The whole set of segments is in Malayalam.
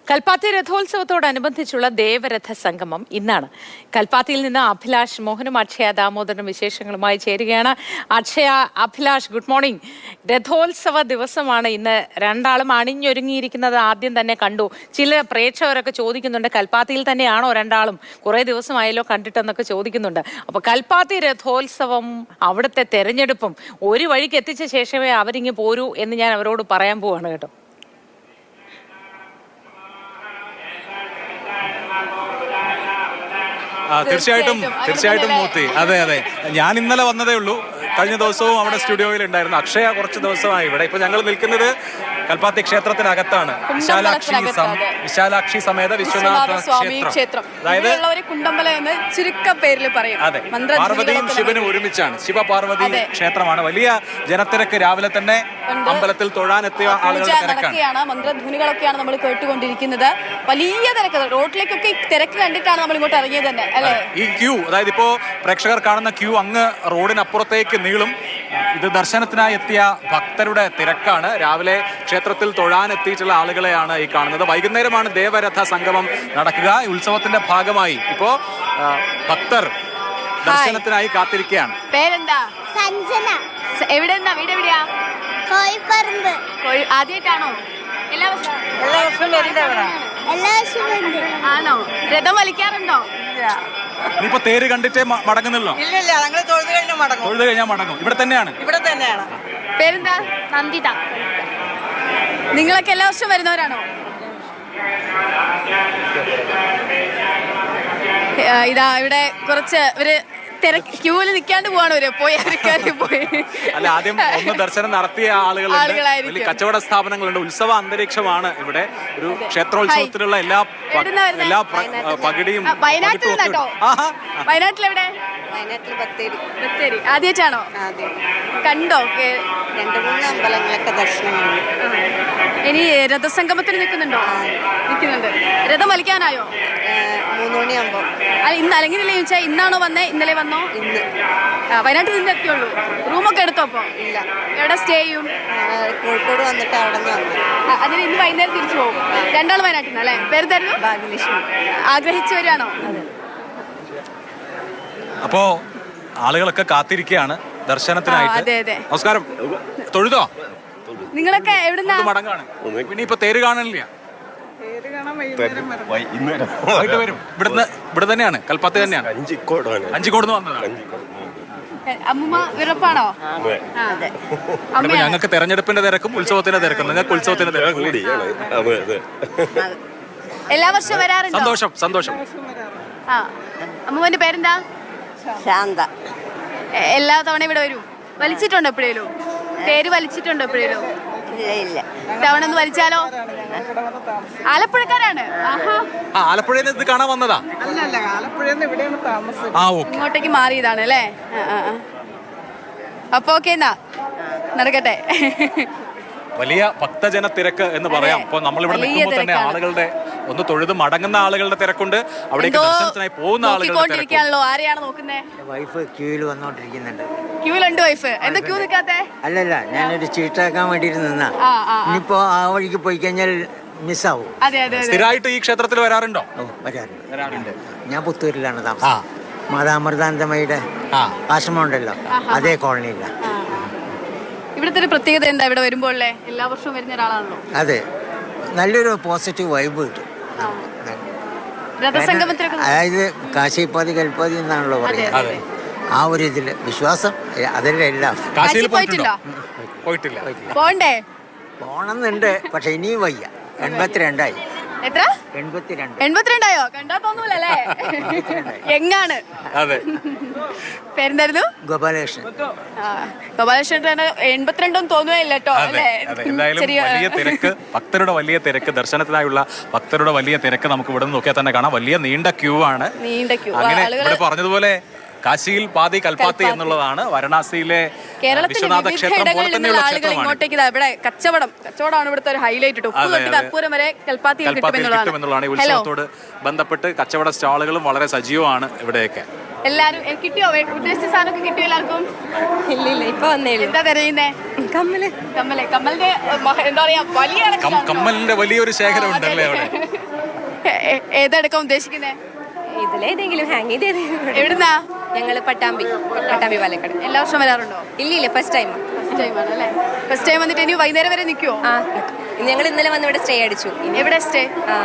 കൽപ്പാത്തി രഥോത്സവത്തോടനുബന്ധിച്ചുള്ള ദേവരഥ സംഗമം ഇന്നാണ്. കൽപ്പാത്തിയിൽ നിന്ന് അഭിലാഷ് മോഹനും അക്ഷയ ദാമോദരനും വിശേഷങ്ങളുമായി ചേരുകയാണ്. Akshaya, Abhilash, good morning. രഥോത്സവ ദിവസമാണ് ഇന്ന്. രണ്ടാളും അണിഞ്ഞൊരുങ്ങിയിരിക്കുന്നത് ആദ്യം തന്നെ കണ്ടു. ചില പ്രേക്ഷകരൊക്കെ ചോദിക്കുന്നുണ്ട്, കൽപ്പാത്തിയിൽ തന്നെയാണോ രണ്ടാളും? കുറേ ദിവസമായല്ലോ കണ്ടിട്ടെന്നൊക്കെ ചോദിക്കുന്നുണ്ട്. അപ്പോൾ കൽപ്പാത്തി രഥോത്സവം, അവിടുത്തെ തെരഞ്ഞെടുപ്പും ഒരു വഴിക്ക് എത്തിച്ച ശേഷമേ അവരിങ്ങ് പോരൂ എന്ന് ഞാൻ അവരോട് പറയാൻ പോവാണ് കേട്ടോ. തീർച്ചയായിട്ടും മൂർത്തി. അതെ, ഞാൻ ഇന്നലെ വന്നതേ ഉള്ളൂ. കഴിഞ്ഞ ദിവസവും അവിടെ സ്റ്റുഡിയോയിൽ ഉണ്ടായിരുന്നു. അക്ഷയ കുറച്ച് ദിവസമായി ഇവിടെ. ഇപ്പൊ ഞങ്ങൾ നിൽക്കുന്നത് കൽപ്പാത്തി ക്ഷേത്രത്തിനകത്താണ്. വിശാലാക്ഷി സമേത വിശ്വനാഥ ക്ഷേത്രം. അതായത് കുണ്ടമ്പല എന്ന് ചുരുക്ക പേരിൽ പറയും. അതെ, പാർവതിയും ശിവനും ഒരുമിച്ചാണ്. ശിവപാർവതി ക്ഷേത്രമാണ്. വലിയ ജനത്തിരക്ക് രാവിലെ തന്നെ അമ്പലത്തിൽ തൊഴാനെത്തിയ ആളുകളുടെ തിരക്കാണ്. മന്ത്രധ്വനികളൊക്കെയാണ് നമ്മൾ കേട്ടുകൊണ്ടിരിക്കുന്നത്. വലിയ തിരക്ക്, റോഡിലേക്കൊക്കെ തിരക്ക് കണ്ടിട്ടാണ് നമ്മൾ ഇങ്ങോട്ട് ഇറങ്ങിയത് തന്നെ അല്ലേ. ഈ ക്യൂ, അതായത് ഇപ്പോ പ്രേക്ഷകർ കാണുന്ന ക്യൂ അങ്ങ് റോഡിനപ്പുറത്തേക്ക് നീളും. ഇത് ദർശനത്തിനായി എത്തിയ ഭക്തരുടെ തിരക്കാണ്. രാവിലെ ക്ഷേത്രത്തിൽ തൊഴാനെത്തിയിട്ടുള്ള ആളുകളെയാണ് ഈ കാണുന്നത്. വൈകുന്നേരമാണ് ദേവരഥ സംഗമം നടക്കുക. ഉത്സവത്തിന്റെ ഭാഗമായി ഇപ്പോ ഭക്തർ ദർശനത്തിനായി കാത്തിരിക്കുകയാണ്. പേരെന്താ? സഞ്ജന. എവിടെയാ? വീട് എവിടെയാ? കോഴിപ്പറമ്പ്. ആദ്യമായിട്ടാണോ? എല്ലാ വർഷവും ആണോ? രഥം വലിക്കാറുണ്ടോ? ഇനിയിപ്പോ തേര് കണ്ടിട്ടേ മടങ്ങുന്നല്ലോ? ഇല്ല, ഞങ്ങൾ തൊഴുത് കഴിഞ്ഞാൽ മടങ്ങും. ഇവിടെ തന്നെയാണ്. പേരെന്താ? നന്ദിത. നിങ്ങളൊക്കെ എല്ലാ വർഷവും വരുന്നവരാണോ? ഇതാ ഇവിടെ കുറച്ച് ഇവര് ക്യൂവില് നിൽക്കാണ്ട് പോവാണ്. പോയി അല്ല, ആദ്യം ഒന്ന് ദർശനം നടത്തിയ ആളുകളുണ്ട്. കച്ചവട സ്ഥാപനങ്ങളുണ്ട്. ഉത്സവ അന്തരീക്ഷമാണ് ഇവിടെ. ഒരു ക്ഷേത്രോത്സവത്തിലുള്ള എല്ലാ പകിടിയും. വയനാട്ടിലെവിടെ? ബത്തേരി. ആദ്യമായിട്ടാണോ? കണ്ടോ? 2-3 അമ്പലങ്ങളൊക്കെ ദർശനം. ഇനി രഥസംഗമത്തിന് നിൽക്കുന്നുണ്ടോ? നിൽക്കുന്നുണ്ട്. രഥം വലിക്കാനായോ? 3 മണിയാകുമ്പോ. അല്ല, ഇന്ന് അല്ലെങ്കിലല്ലേ ചോദിച്ചാൽ ഇന്നാണോ വന്നേ? ഇന്നലെ വന്നോ? ഇന്ന്. വയനാട്ടിൽ നിന്ന് എത്തിയുള്ളൂ. റൂമൊക്കെ എടുത്തോ? അപ്പൊ ഇല്ല. എവിടെ സ്റ്റേ ചെയ്യും? കോഴിക്കോട് വന്നിട്ട് അവിടെ നിന്ന് വന്നു. അതിന് ഇന്ന് വൈകുന്നേരം തിരിച്ചു പോകും. രണ്ടാളും വയനാട്ടിൽ നിന്ന് അല്ലേ? പേര് തരുന്നു? ഭാഗ്യലക്ഷ്മി. ആഗ്രഹിച്ചു വരികയാണോ? അപ്പോ ആളുകളൊക്കെ കാത്തിരിക്കുകയാണ് ദർശനത്തിനായിട്ട്. അതെ. നമസ്കാരം. തൊഴുതോ? നിങ്ങളൊക്കെ എവിടുന്നാ? മടങ്ങാണ്. പിന്നെ ഇപ്പൊ തേര് കാണാനില്ല. ഇവിടെ തന്നെയാണ്, കൽപ്പാത്തി തന്നെയാണ്. അഞ്ചിക്കോട് വന്നതാണ്. അമ്മൂമ്മ വിറപ്പാണോ? ഞങ്ങൾക്ക് തെരഞ്ഞെടുപ്പിന്റെ തിരക്കും ഉത്സവത്തിന്റെ തിരക്കും. നിങ്ങൾക്ക് ഉത്സവത്തിന്റെ തിരക്കും. എല്ലാ വർഷവും വരാറുണ്ട്. സന്തോഷം. അമ്മൂമ്മന്റെ പേരെന്താ? ശാന്ത. എല്ലാ തവണ ഇവിടെ വരും? വലിച്ചിട്ടുണ്ടോ എപ്പോഴേലും? പേര് വലിച്ചിട്ടുണ്ടോ എപ്പോഴേലും? ഇല്ല. തവണ ഒന്ന് വലിച്ചാലോ? ആലപ്പുഴക്കാരാണ്. ആലപ്പുഴയിൽ ഇത് കാണാൻ വന്നതാ? ഇങ്ങോട്ടേക്ക് മാറിയതാണ് അല്ലേ? അപ്പൊ ഓക്കെ, എന്നാ നടക്കട്ടെ. വലിയ ഭക്തജന തിരക്ക് എന്ന് പറയാം. അപ്പൊ നമ്മളിവിടെ നിൽക്കുമ്പോൾ തന്നെ ആളുകളുടെ ഒന്ന് തൊഴുത് മടങ്ങുന്ന ആളുകളുടെ തിരക്കുണ്ട്. അവിടേക്ക് ദർശനത്തിനായി പോകുന്ന ആളുകളുടെ. ആരെയാണ് നോക്കുന്നേ? വൈഫ് ക്യൂവിൽ വന്നോണ്ടിരിക്കുന്നുണ്ട്. ക്യൂവിലുണ്ട് വൈഫ്. എന്താ ക്യൂ നിൽക്കാത്തെ? അല്ലല്ല, ഞാനൊരു ചീട്ടാക്കാൻ വേണ്ടിട്ട് നിന്നാ. ഇനിയിപ്പോ ആ വഴിക്ക് പോയി കഴിഞ്ഞാൽ മിസ്സാവും. സ്ഥിരമായിട്ട് ഈ ക്ഷേത്രത്തിൽ വരാറുണ്ടോ? വരാറുണ്ട്. ഞാൻ പുത്തൂരിലാണ് താമസം. മാതാമൃതാനന്ദമയുടെ ആശ്രമം ഉണ്ടല്ലോ, അതേ കോളനിയില്ല. ഇവിടുത്തെ ഒരു പ്രത്യേകത എന്താ? ഇവിടെ വരുമ്പോൾ എല്ലാ വർഷവും വരുന്ന ഒരാളാണല്ലോ. അതെ, നല്ലൊരു പോസിറ്റീവ് വൈബ് കിട്ടും. അതായത് കാശിപ്പാതി കൽപ്പാതി എന്നാണല്ലോ പറയുന്നത്. ആ ഒരു ഇതില് വിശ്വാസം അതിന്റെ എല്ലാം. പോണ്ടേ? പോണമെന്നുണ്ട്, പക്ഷെ ഇനിയും വയ്യ. 82ആയി. എത്ര? 82ആയോ? കണ്ടാ തോന്നൂലല്ലേ? എങ്ങാണ്? പേരെന്തായിരുന്നു? ഗോപാലകൃഷ്ണൻ. ഗോപാലകൃഷ്ണൻ 82 തോന്നുകയില്ല കേട്ടോ അല്ലേ? വലിയ തിരക്ക്, ഭക്തരുടെ വലിയ തിരക്ക്, ദർശനത്തിനായുള്ള ഭക്തരുടെ വലിയ തിരക്ക് നമുക്ക് ഇവിടെ നിന്ന് നോക്കിയാൽ തന്നെ കാണാം. വലിയ നീണ്ട ക്യൂ ആണ്. അങ്ങനെ ഇവിടെ പറഞ്ഞതുപോലെ കാശിയിൽ പാതി കൽപ്പാത്തി എന്നുള്ളതാണ്. വാരണാസിയിലെ വിശ്വനാഥ ക്ഷേത്രം പോലെ തന്നെയുള്ള ഇങ്ങോട്ടേക്ക് ഇവിടെ കച്ചവടമാണ് ഇവിടുത്തെ ഒരു ഹൈലൈറ്റ്. കർപ്പൂരം വരെ കൽപ്പാത്തിയിൽ കിട്ടുമെന്നുള്ളതാണ്. ഈ ഉത്സവത്തോട് ബന്ധപ്പെട്ട് കച്ചവട സ്റ്റാളുകളും വളരെ സജീവമാണ് ഇവിടെയൊക്കെ. എല്ലാരും കിട്ടിയോ? ഉദ്ദേശിച്ച സാധനമൊക്കെ കിട്ടിയോ എല്ലാവർക്കും? ഇല്ല ഇപ്പൊ വന്നേ ഉള്ളൂ. എന്താ തിരയുന്നേ? കമ്മലിന്റെ എന്താ പറയാ വലിയ കമ്മലിന്റെ വലിയൊരു ശേഖരം ഉണ്ടല്ലേ അവിടെ? ഏതെടുക്കാൻ ഉദ്ദേശിക്കുന്നേ? ഇതിലേതെങ്കിലും ഹാങ് ചെയ്ത് എവിടുന്നാ? ഞങ്ങള് പട്ടാമ്പി പാലക്കാട്. എല്ലാ വർഷം വരാറുണ്ടോ? ഇല്ല ഫസ്റ്റ് ടൈം. ഫസ്റ്റ് ടൈം വന്നിട്ട് ഇനി വൈകുന്നേരം വരെ നിൽക്കുവോ? ആ ഞങ്ങൾ ഇന്നലെ വന്ന് ഇവിടെ സ്റ്റേ അടിച്ചു. എവിടെ സ്റ്റേ?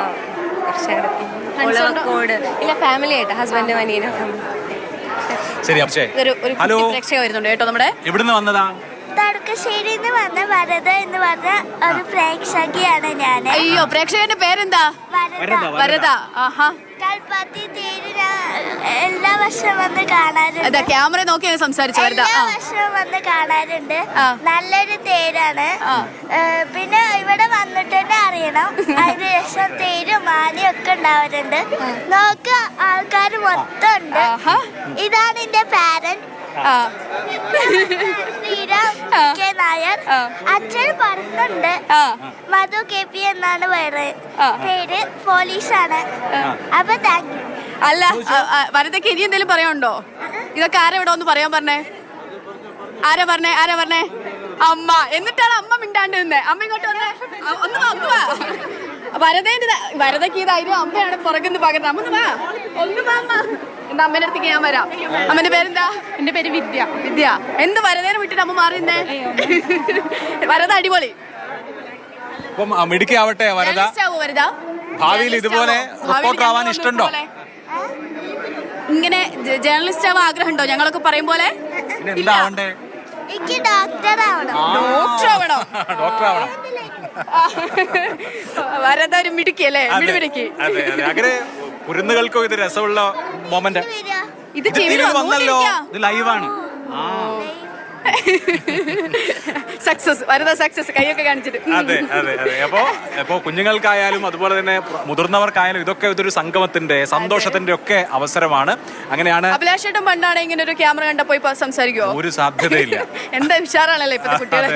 കോട് ഇല്ല ഫാമിലി ആയിട്ട് ഹസ്ബൻഡും അനിയനും. ശരി അക്ഷയ്, ഒരു ഹലോ, പ്രേക്ഷക വരുന്നുണ്ട് കേട്ടോ. നമ്മുടെ എവിടുന്ന് വന്നതാ? തടുക്കശ്ശേരിയിൽ നിന്ന് വന്ന വരദ എന്ന് പറഞ്ഞ ഒരു പ്രേക്ഷകയാണ് ഞാൻ. അയ്യോ, പ്രേക്ഷകന്റെ പേരെന്താ? വരദ. ആഹാ. കൽപ്പാത്തി തേര് എല്ലാ വർഷവും വന്ന് കാണാറുണ്ട്. അതാ ക്യാമറ നോക്കി സംസാരിച്ചു. വരദ എല്ലാ വർഷവും വന്ന് കാണാറുണ്ട്. നല്ലൊരു തേരാണ്. പിന്നെ ഇവിടെ വന്നിട്ട് തന്നെ അറിയണം. അതിന് ശേഷം തേരും മാലയും ഒക്കെ ഉണ്ടാവാറുണ്ട്. നോക്ക ആൾക്കാർ മൊത്തം ഉണ്ട്. ഇതാണ് എന്റെ പാരന്റ് ശ്രീരാം കെ നായർ. അച്ഛൻ പുറത്തുണ്ട്. മധു KP എന്നാണ് പേര്. പോലീസാണ്. അപ്പൊ താങ്ക് യു. അല്ല, വരദയ്ക്ക് ഇനി എന്തെങ്കിലും പറയാനുണ്ടോ? ഇതൊക്കെ ആരാ ഇവിടെ ഒന്ന് പറയാൻ പറഞ്ഞേ? ആരാ പറഞ്ഞേ? അമ്മ. എന്നിട്ടാണ് അമ്മ മിണ്ടാണ്ട് നിന്നേ. അമ്മ ഇങ്ങോട്ട് വന്നേ. ഒന്ന് വാ. വരദയ്ക്ക് ഇതായിരുന്നു. അമ്മയാണ് പുറകുന്ന് പകരുന്നത്. ഒന്ന് വാ അമ്മ. എന്താ അമ്മേന്റെ അടുത്തേക്ക് ഞാൻ വരാം. അമ്മന്റെ പേരെന്താ? എന്റെ പേര് വിദ്യ. എന്ത് വരദേനെ വിട്ടിട്ട് അമ്മ മാറിയുന്നേ? വരദ അടിപൊളി. അപ്പം മിടുക്കിയാവട്ടെ വരദ. വരദ ഭാവിയിൽ ഇതുപോലെ റിപ്പോർട്ടർ ആവാൻ ഇഷ്ടമുണ്ടോ? ഇങ്ങനെ ജേർണലിസ്റ്റ് ആവാൻ ആഗ്രഹമുണ്ടോ? ഞങ്ങളൊക്കെ പറയും പോലെ. എന്താ ആവണ്ടേ? എനിക്ക് ഡോക്ടർ ആവണം. ഡോക്ടർ ആവണം. വരദ ഒരു മിടുക്കിയല്ലേ? മിടുമിടുക്കി. അങ്ങനെ കുരുന്നുകൾക്കും ഇത് രസമുള്ള മൊമെന്റ്. ഇത് വന്നല്ലോ, ഇത് ലൈവാണ്. സക്സസ്. വരദ സക്സസ്. കൈയൊക്കെ കാണിച്ചിട്ട്. അതെ. അപ്പോ കുഞ്ഞുങ്ങൾക്കായാലും അതുപോലെ തന്നെ മുതിർന്നവർക്കായാലും ഇതൊക്കെ ഇതൊരു സംഗമത്തിന്റെ സന്തോഷത്തിന്റെ ഒക്കെ അവസരമാണ്. അങ്ങനെയാണ്. അഭിലാഷേട്ടൻ പണ്ടാണ് ഇങ്ങനെ ഒരു ക്യാമറ കണ്ടപ്പോ ഇപ്പൊ സംസാരിക്കുവോ? ഒരു സാധ്യതയില്ല. എന്താ ഉഷാറാണല്ലോ ഇപ്പത്തെ കുട്ടികളെ.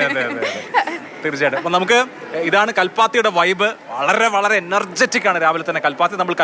തീർച്ചയായിട്ടും. അപ്പൊ നമുക്ക് ഇതാണ് കൽപ്പാത്തിയുടെ വൈബ്. വളരെ വളരെ എനർജറ്റിക് ആണ് രാവിലെ തന്നെ കൽപ്പാത്തി. നമ്മൾ